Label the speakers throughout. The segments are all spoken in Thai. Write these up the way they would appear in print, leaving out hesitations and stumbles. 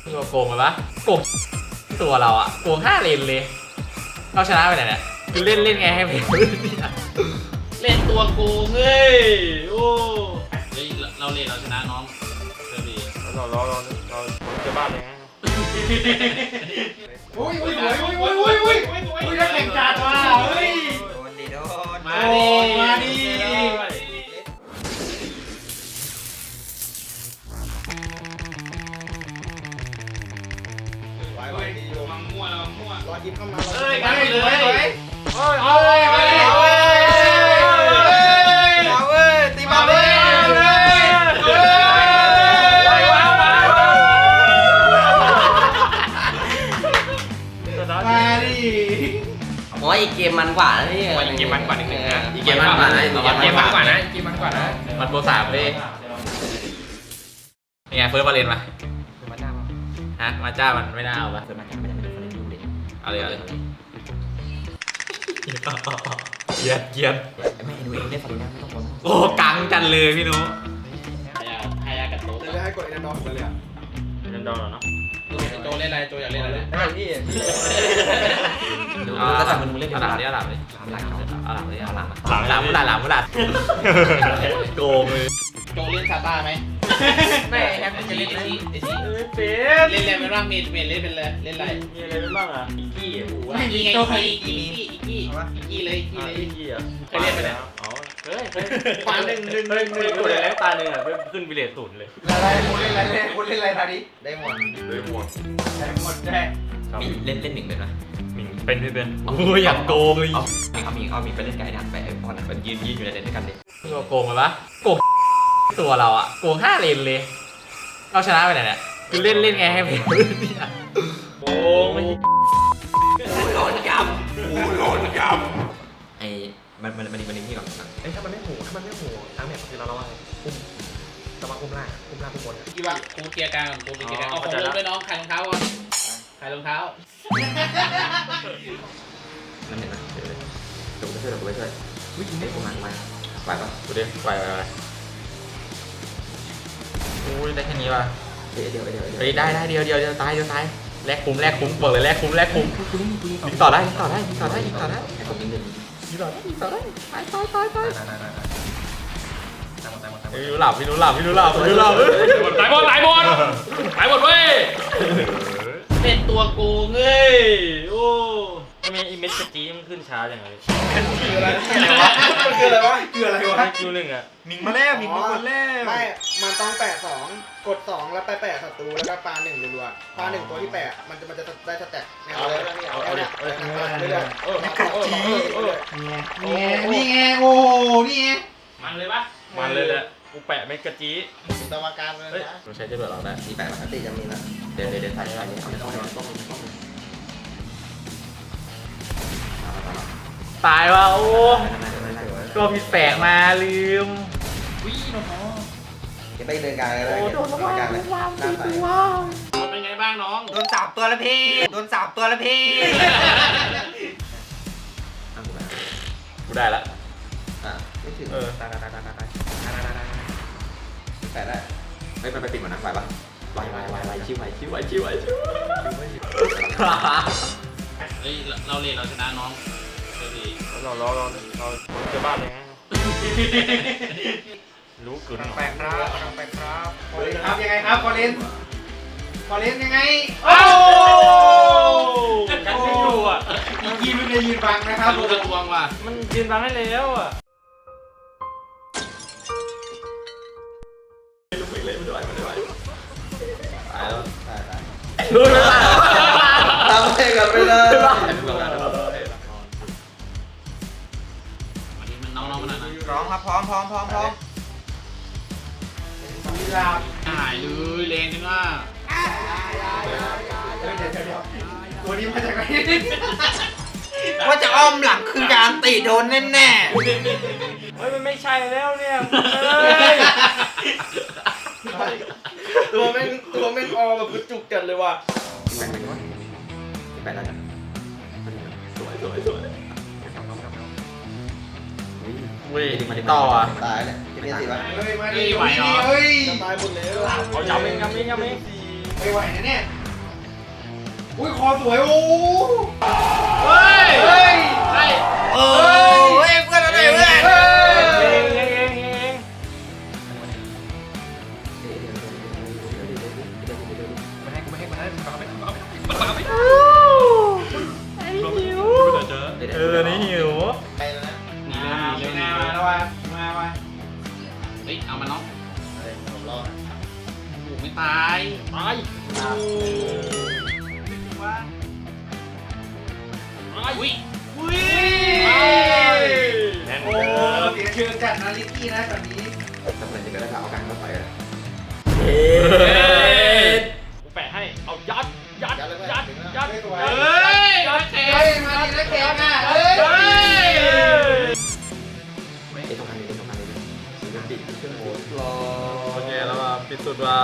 Speaker 1: ตัวโกงไปปะโกงตัวเราอะโกง5 เลนเลยเราชนะไปไหนเนี่ยคือเล่นไงให้เพล
Speaker 2: เล่นตัวโกงเฮ้ยโอ้ยเราเล่นเราชนะน้องเซอร์บี
Speaker 3: เราจะบ้าเลยฮะ
Speaker 4: อุ้ยนักแข่งจัดว่ะเฮ้ย
Speaker 2: โดนมาดิมังมั่ว
Speaker 4: รอยิบเข้ามา
Speaker 2: เฮ้ยกันเลย
Speaker 4: ตีมาเลยมาดิ
Speaker 5: โอ้ยอีกเกมมันกว่านะนี่
Speaker 2: อีกเกมมันกว่านิดนึงนะ
Speaker 5: อีกเกมมันกว่านะ
Speaker 1: มันโปร3เลยยังไงเฟิร์สบาเลนมาฮะมาจ้ามันไม่น่าเอาปะเอาเลยเกียน
Speaker 5: ไม่ดูเองได้ฝันนะไม่ต้อง
Speaker 1: โอ้กังจันเลยพี่นุ๊ก
Speaker 2: ให้ยากับโต๊ะ
Speaker 4: จะให้กดเอ็นดอร์เลยอ่ะ
Speaker 3: เล่นดอนเนาะ
Speaker 2: โจเล่นอะไรโจอยากเล่นอะไร
Speaker 4: ได้พี่
Speaker 5: ก็แต่มึงเล่น
Speaker 1: เอาหลังดิเอาหลังดิ
Speaker 5: หลัง
Speaker 1: เอาหลังดิเอาหลัง
Speaker 3: หลัง
Speaker 1: มุลาดโกงเลย
Speaker 2: โจเล่นซาต้าไหมไม่แฮปปี้จะเล่นไอซีเล่นอะไรเป็นบ้างเมดเล่นเป็นเลยเล่นอะไร
Speaker 3: มีอะไรเป็นบ้างอ่ะอีกี้หู
Speaker 2: อีกี้ไงอีกี้เลย
Speaker 3: อีกี้อ่ะ
Speaker 2: เคยเล่นไปแล้ว
Speaker 3: อ๋อเคยตาหนึ่งตัวแรกตาหนึ่งอ่ะขึ้นวิเลต0เลย
Speaker 4: อะไรคุณเล่นอะไรทาดิได้หมดได้
Speaker 5: เล่น1เป็นไหม
Speaker 3: เป็นไม่เป็น
Speaker 1: โอ้ยอยากโกงเลย
Speaker 5: เขามีไปเล่นไก่ดันไปพอนั้นมันยืนอยู่ในเล่นด้วยกันดิ
Speaker 1: ตัวโกงไปปะโกงตัวเราอะโกง5 เลนเลยเราชนะไปไหนเนี่ยคือเล่นไงให้เพล
Speaker 3: โอ้ไม่
Speaker 5: หลอนยำไอ้มันนี่ก่อนไอ้ถ้ามันไม่หูทั้งแบบคือเราว่าอุ้มจะมาอุ้มล่างอุ้มบน
Speaker 2: กี่ว่ากูเกียร์กลางกูเกียร์กลางเอาของลงด้วยน้องขายรองเท้าก่อนขายรองเท้า
Speaker 5: นั่นเห็นไหมเดี๋ยวไปช่วยวิ่งได้ประมาณไหวปะ
Speaker 1: ดูดิไปโอ้ยได้แค่นี้ว่ะ
Speaker 5: เดี๋ยว
Speaker 1: เฮ้ยได้เดียวตายแลกคุ้มบอกเลยแลกคุ้มยิงต่อได้
Speaker 5: ให้ผมยิง1
Speaker 1: ยิงต่อได้ตายไม่รู้หลับ
Speaker 2: ตายหมดเว้ยเป็นตัวโกงเอ้ยโอ้
Speaker 3: ทำไมอีเมสจีมันขึ้นช้าอย่างไร
Speaker 4: คืออะไรวะ
Speaker 3: คิว1อ่ะ
Speaker 4: มิงมาแล้วไม่มันต้องแปะ2กด2แล้วไปแปะศัตรูแล้วก็ปา1รัวๆปา1ตัวที่แปะมันจะได้สแต็กแนวเลยนี่ไงโอ้นี่ไง
Speaker 2: มันเลยปะ
Speaker 3: มันเลยแหละกูแปะเมกะจี
Speaker 4: ตวการเลยนะ
Speaker 1: เราใช้จะเบิดเราได้
Speaker 5: มี8ปกติจะมีนะเดี๋ยวใส่ต้อง
Speaker 1: ตายว่ะโอ้ตัวผิดแปลกมาลืม
Speaker 2: วิ่งน้อง
Speaker 5: จะไปเดินกลางเลยโดนกลางเลย
Speaker 2: เป็นไงบ้างน้อง
Speaker 4: โดน3 ตัวแล้วพี่
Speaker 1: กูได้ละ
Speaker 5: ไม่ถึงตายแปะได้ไม่ไปปิดหมดนะไหวปะไหวชิว
Speaker 2: เฮ้ยเราเล่นเราชนะน้องเซอร์บี
Speaker 3: เราจะบ้าเลยฮะรู้กึ่น
Speaker 4: แปลกครับยังไงครับฟอเรนยังไงโอ้
Speaker 3: กันไม่อยู่อ่ะ
Speaker 4: อีกี้ไม่ได้ยืนบังนะครับ
Speaker 2: รู้กระทวงว่ะ
Speaker 3: มันยืนฟังให้แล้วอ่ะ
Speaker 1: รู้ไหมล่ะ
Speaker 5: ทำให้กันไม่ได้
Speaker 2: วันนี้มันน้องมันนะ
Speaker 4: พร้อมครับพร้อม
Speaker 2: หายเลยเลนจังอ่ะ
Speaker 4: วันนี้มาจากไหน
Speaker 5: ว่าจะอ้อมหลังคือการตีโดนแน่
Speaker 3: เฮ้ยมันไม่ใช่แล้วเนี่ย
Speaker 4: ตัวแม่งออแบบจุกจัดเลยว่ะ
Speaker 5: แปะแล้วกันสวย
Speaker 1: เว้ยต่ออ่ะ
Speaker 5: ตายเลยจะเป็นสิวะ
Speaker 4: เฮ้ยมาดิเฮ้ยจะตายหมดแล้ว
Speaker 3: เอาย้ำเอง
Speaker 4: โอ้ไม่ไหวนะเนี่ยอุ้ยคอสวยโอ้
Speaker 2: เฮ้ย
Speaker 4: เฮ้ย
Speaker 2: เฮ้ย
Speaker 3: โอ้ยเพื่อนอะไรเพื่อน
Speaker 5: ไม่ให้มันเอาไป
Speaker 1: นี่หิว
Speaker 3: ไปแล้วนะ
Speaker 2: หนีเลยหนีเลยหนี
Speaker 4: มา
Speaker 2: เลย
Speaker 4: แล้วว่ะมาว่ะ
Speaker 2: เฮ้ยเอามาน้อง
Speaker 3: อะไรผมรอด
Speaker 2: โอ้ไม่ตาย
Speaker 5: ตาย
Speaker 2: อุ้ย
Speaker 4: อุ้ย
Speaker 5: แน่น
Speaker 4: โอ้เสียชื่อจัดนะลิกกี้นะแบบนี้
Speaker 5: ทำอะไรจะได้เอาการเข้าไปอ่ะกูแปะให้เอายัด
Speaker 4: ไม่สวย
Speaker 2: เฮ้ยโอเค
Speaker 4: เฮ้ยมาดีนะแกอ่ะเฮ้ย
Speaker 5: ไอ้ตรงนี้ตรงนี้ปิดเครื่องโหมด
Speaker 1: รอโอเคแล้วมาปิดสุดว่า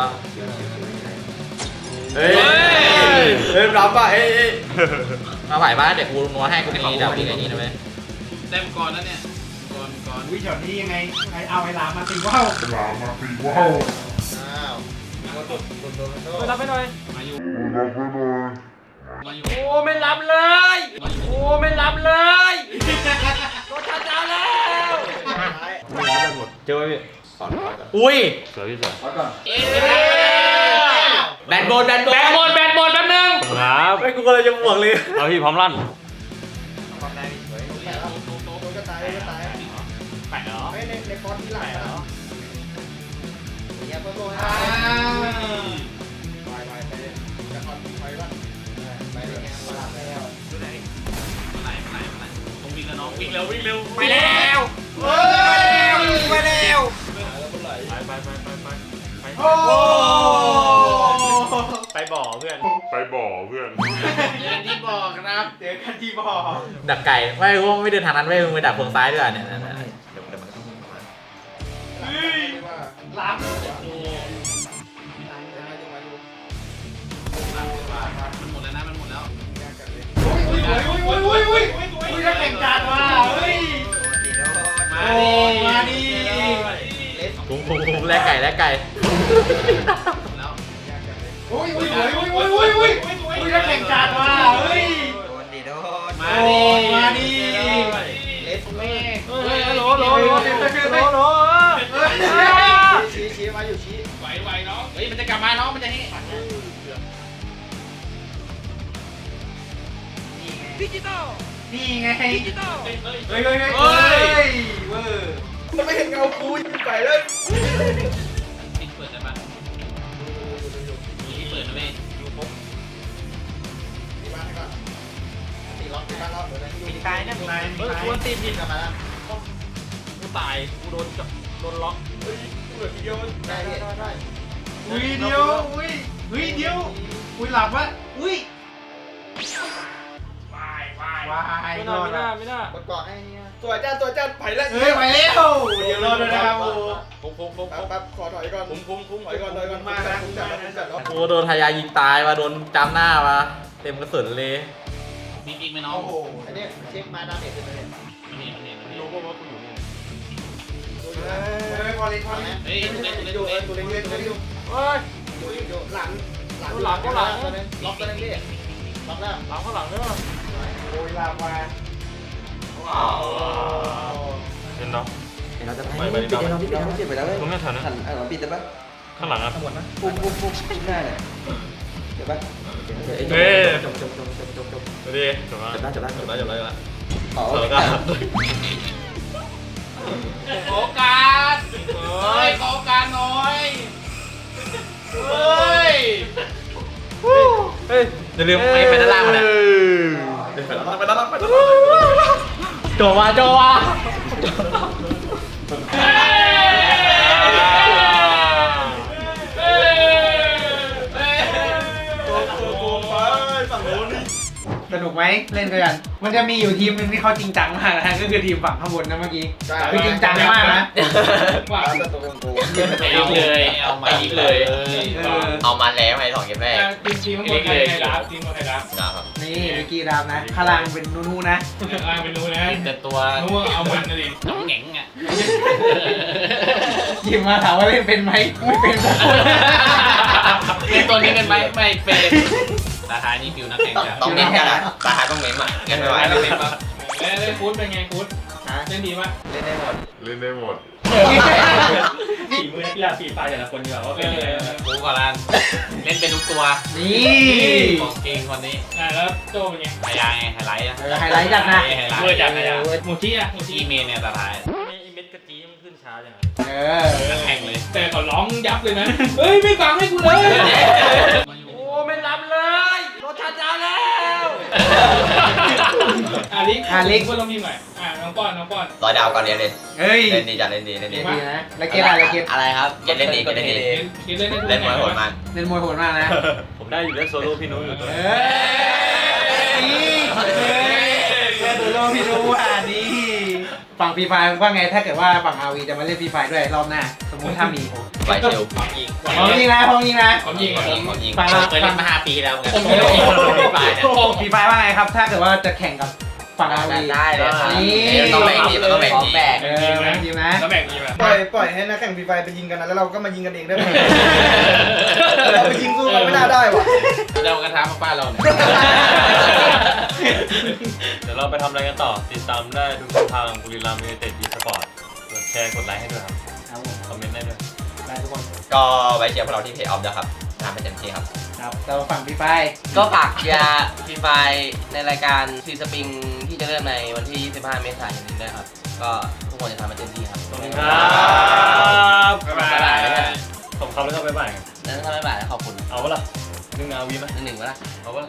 Speaker 5: เฮ้ย
Speaker 1: เฮ้ยรับป่ะเอ้ยมาไหวป่ะเดี๋ยวกูนัวให้กูมีดาวอีกไอ้นี่นะเว้ย
Speaker 2: ได้มังกรแล้วเนี่ยมังกร
Speaker 4: อุ้ยช็อตนี้ยังไงเอาไอ้ลามาตีว่าว
Speaker 3: อ้าวโดนโดน
Speaker 5: ไปรับไปหน่อย
Speaker 2: มาอยู่มาอยู่
Speaker 5: โอ้ไม่รับเลย
Speaker 2: มาอยู่
Speaker 5: โอ้ไม่รับเลยโดนชาร์จแล้ว
Speaker 1: เจอไหมพี่อุ้ย
Speaker 5: สวยพี่สวย
Speaker 2: เอ๊ะ
Speaker 1: แบนโบนแบนโบน
Speaker 5: แบตหมดแป๊บ
Speaker 1: ไม่กูก็เลยจะบวกเลย
Speaker 5: เอาพี่พร้อมลั่น
Speaker 4: ความได้สวยแปะแล้วโดนก็ตายก็ตาย
Speaker 5: แปะเหรอ
Speaker 4: ไม่ในฟอนต์ที่หลังนะเนี่ยเพิ่มโดนไปไปจะทำไปบ้างไปเลยเนี่ยเวลาไปแล้ว
Speaker 2: ไหนต้องวิ่งแล้วน้องวิ่งเร็ว
Speaker 5: ไปแล้ว
Speaker 4: เฮ้ยไปแล้ว
Speaker 5: ไป
Speaker 4: โอ้
Speaker 5: ไปบ่อเพื่อน
Speaker 2: เดินที่บอกครับ
Speaker 4: เจอกันที่บ่อ
Speaker 1: ดักไก่ไม่กูไม่เดินทางนั้นเว้ยมึงไปดักพวงซ้ายด้วยเนี่ย
Speaker 5: เดี๋ยวมันก็ต้องมีมา
Speaker 4: ล้าง
Speaker 2: โอ้มันหมดแล้วนะมันหมดแล้ว
Speaker 4: อุ้ยถ้าแข่งจานมาเฮ้ย มาดิ
Speaker 1: คุ้มแลกไก่
Speaker 2: แล้ว
Speaker 4: อุ้ยถ้าแข่งจานมาเฮ้ย
Speaker 2: มาดิ
Speaker 4: มาดิ
Speaker 3: เล็ดแม่
Speaker 2: เฮ้ยโหล
Speaker 3: ชี้มาอยู่ชี้
Speaker 2: ไหวน้องเฮ้ยมันจะกลับมาน้องมันจะให้
Speaker 4: นี่ไงเฮ้ย
Speaker 2: เฮ้ย
Speaker 4: เว้ยจะไม่เห็นเงากูไปเลย
Speaker 2: ปิดเปิดได้ปะเปิดนะเว้ย
Speaker 4: ตีบ้านก่อนตีล็อกตีบ้านล็อกเดี๋ยวนะ
Speaker 3: มีตายนะมีตาย
Speaker 5: เฮ้ยกูตีผิด
Speaker 3: กลับมาแล้ว
Speaker 5: กูตายกูโดนล็อก
Speaker 3: ได้ได้ได้
Speaker 4: อุ้ยเดียวอุ้ยเดียวอุ้ยหลับวะอุ้ย
Speaker 5: ไม่น่าก
Speaker 3: ดเกาะให้เนี่ย
Speaker 4: ตัวจ้าไปแล้วเฮ้ยไปแล้วเดี๋ยวรอด้วยนะครับโอ้ปั๊บขอถอยก่อนถอยก่อนมานะผมจัดแล้ว
Speaker 1: กูโดนทายายิงตายมาโดนจำหน้ามาเต็มกระสุนเลย
Speaker 2: มีอีกไหมน้อง
Speaker 4: โอ้โห
Speaker 3: อันนี้เช็คมาดาเมจเป็นไง
Speaker 2: มันเห็น
Speaker 5: รู้ป่ะว่ากูอยู่นี่
Speaker 4: เฮ้ยพอเลยพอเลย
Speaker 2: เฮ้ยตัวเล็ก
Speaker 4: ตัวเล็กอยู่
Speaker 5: เฮ้ย
Speaker 4: หลัง
Speaker 3: ล็อกตัวนึงเรียกล็อกแล้ว
Speaker 5: หลังข้างหลังด้วย
Speaker 4: โอ้ยลามา
Speaker 5: เห็นเนาะ
Speaker 6: เราจะไปปิดเราปิดไปแล้วเว้ย
Speaker 5: ตรงนี้แถวนั้น
Speaker 6: หันเราปิดได้ปะ
Speaker 5: ข้างหลังอ่ะ
Speaker 6: ปุ๊บหน้าเนี่ยเดี๋ยวปะ
Speaker 5: เฮ้ย
Speaker 6: จบ
Speaker 5: ดูดิจบแล้ว
Speaker 6: จบแล้วอ๋อ
Speaker 5: เสร็จแล้ว
Speaker 2: โอกาสเฮ้ยโอกาสน้อยเฮ้ย
Speaker 1: เฮ้ยอย่าลืมไปด้านล่างมาเนี่ยไปด้านล่างโจวะ
Speaker 4: สนุกไหมเล่นกันมันจะมีอยู่ทีมนึงที่เขาจริงจังมากนะก็คือทีมฝั่งข้างบนนะเมื่อกี้คือจริงจังมากนะว่า
Speaker 2: ไปอีกเลยเอาไปอีกเลย
Speaker 3: เอามาแล้วไอ้2เกมแรก
Speaker 2: ทีมข้างบนใครรับทีมข้างบนใครรับ
Speaker 4: นี่มิกกี้ดามนะข้างล่างเป็นนูๆนะ
Speaker 2: ล่างเป็นนู้นะแต่ตัวนู้เอามันนะดิน้องแหง่งอ่ะ
Speaker 4: ยิมมาถามว่าเล่นเป็นไหมไม่เป็นสักคน
Speaker 2: เล่นตัวนี้กันไหมไม่เป็นราคานี่ฟิวนักแข่งจะ
Speaker 5: ต้องเน้นกันนะราคาต้องเน้นอ่ะงั้นไม่ไหว
Speaker 2: เล่นฟูดเป็นไงฟูดเล่นดีปะ
Speaker 5: เล่นได้หมด
Speaker 3: ฝีมือนักกีฬาฝีปลายแต่ละคนดีกว่าว่าเป็นยังไง
Speaker 2: ฟูก่อนละเล่นเป็นทุกตัว
Speaker 4: นี่
Speaker 2: ของเก่งคนนี้
Speaker 3: แล้วโจเป็นไง
Speaker 2: ไฮไลท์ไฮไลท์อะ
Speaker 4: ไฮไลท์จัดนะ
Speaker 2: ไฮไล
Speaker 3: เมื่อ
Speaker 2: ท์
Speaker 3: จัดเลยอ่ะหมูจี้อ่ะหมูจี้
Speaker 2: ที่เมนเนี่ยตาท้าย
Speaker 3: ไอ้เม็ดกะทิมันขึ้นช้าจัง
Speaker 4: เออ
Speaker 2: นักแข่งเลย
Speaker 3: แต่เขาร้องยับเลยนะเฮ้ยไม่ฟังให้กูเลย
Speaker 4: โอ้ไม่รับเลยรถชาจาแล้ว
Speaker 3: ลิกก็ต้องมีใหม่น้องป้อน
Speaker 5: ร้อยดาวก่อนเรียนเลย
Speaker 4: เฮ้ย
Speaker 5: เล่นดีจัดเล่นดีเล่นดี
Speaker 4: ดีนะแล้วเกมอะไรเกม
Speaker 5: อะไรครับเล่นดีก็เล่นดี
Speaker 2: คิดเล่นได้ทุก
Speaker 5: เล่นมวยโหดมาก
Speaker 4: เล่นมวยโหดมากนะ
Speaker 3: ผมได้อยู่แล้วโซโล่พี่นุ้ยอยู่ตัว
Speaker 4: เฮ้ยเล่นตัวโลพี่รู้ว่านี่ฝั่งฟรีไฟว่าไงถ้าเกิดว่าฝั่งอาวีจะมาเล่นฟรีไฟด้วยรอบหน้าสมมติถ้ามี
Speaker 5: ไปเชล
Speaker 2: ของยิง
Speaker 4: พร้อมยิงนะพร้อมยิงนะ
Speaker 2: ของยิง
Speaker 5: ของยิง
Speaker 4: ฝั่ง
Speaker 2: เคยเล่นมา5 ปีแล้วไง
Speaker 3: ผมไม่ได้ยิง
Speaker 2: ฝ่ายเนี่ย
Speaker 4: ฟรีไฟว่าไงครับ ถ้าเกิดว่าจะแข่งกับฝั่งอาวี
Speaker 5: ได้เลยครับ
Speaker 4: นี่
Speaker 5: ต้องแบ่งทีมต้องแบ่งทีม
Speaker 4: เออจริงนะ
Speaker 3: แล้วแบ่งทีมอ่ะ
Speaker 4: ปล่อยให้นักแข่งฟรีไฟไปยิงกันนะแล้วเราก็มายิงกันเองได้ไหมเราไปยิงสู้เขาไม่น่าได้ว่ะ
Speaker 2: เรากระทำมาป้าเราเนี่ย
Speaker 3: เดี๋ยวเราไปทำอะไรกันต่อติดตามได้ทุกช่องทางบุรีรัมย์ยูไนเต็ด e-sport กดแชร์กดไลค์ให้ด้วยครับ
Speaker 4: ครับผม
Speaker 3: คอมเมนต์ได้ด้วย
Speaker 4: ได้ทุกคน
Speaker 5: ก็ไว้เชียร์พวกเราที่เพจออฟนะครับทำให้เต็มที่ครับ
Speaker 4: ครับเราฝั่งฟรีไฟ
Speaker 7: ก็ฝากเชียร์ฟรีไฟในรายการซีสปริงที่จะเริ่มในวันที่ 25 เมษายนนี้ด้วยครับ ก็ทุกคนจะทำให้เต็มที่ครับ
Speaker 3: ขอบคุณครับ
Speaker 2: บ๊ายบาย
Speaker 3: ผมครับแล้วก็บ๊ายบาย
Speaker 7: แล้วถ้าไม่บ่ายแล้วขอบคุณ
Speaker 3: เอาวะล่ะนึ่งนาวีไหม
Speaker 7: หนึ่งๆวะล่ะ
Speaker 3: เอาวะล่ะ